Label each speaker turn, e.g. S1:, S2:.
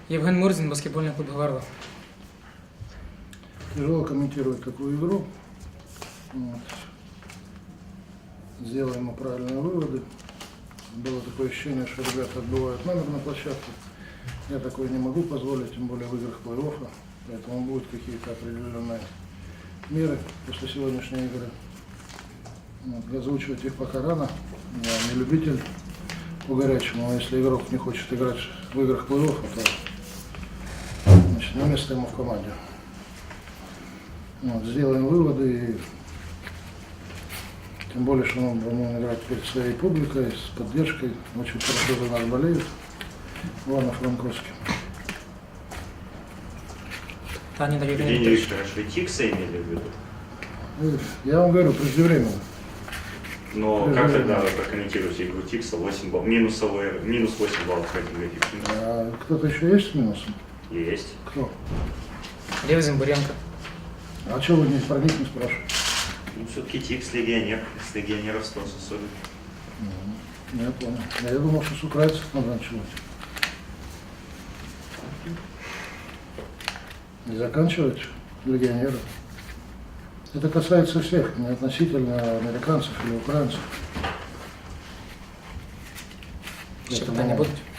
S1: Евген Мурзин, баскетбольный клуб Гвардия.
S2: Тяжело комментировать такую игру. Вот. Сделаем мы правильные выводы. Было такое ощущение, что ребята отбивают номер на площадке. Я такое не могу позволить, тем более в играх плей-оффа. Поэтому будут какие-то определенные меры после сегодняшней игры. Вот. Озвучивать их пока рано. Я не любитель по горячему. Но если игрок не хочет играть в играх плей-оффа, то значит, не место ему в команде. Вот. Сделаем выводы. И тем более, что мы будем играть перед своей публикой, с поддержкой. Очень хорошо за нас болеют. Ивано-Франковский.
S3: Евгений Викторович, вы Тикса имели в виду?
S2: Я вам говорю, преждевременно.
S3: Но как тогда вы прокомментируете игру Тикса? 8 баллов, минус 8 баллов против Тикса.
S2: А кто-то еще есть с минусом?
S3: Есть.
S2: Кто?
S1: Лев Зимбуренко.
S2: А что вы про них не спрашиваете?
S3: Ну, все-таки Тикс легионер, с легионеров спрос особенно.
S2: Я понял. Я думал, что с украинцев надо начинать. И заканчивать легионеров. Это касается всех, не относительно американцев или украинцев.
S1: Еще питания будут?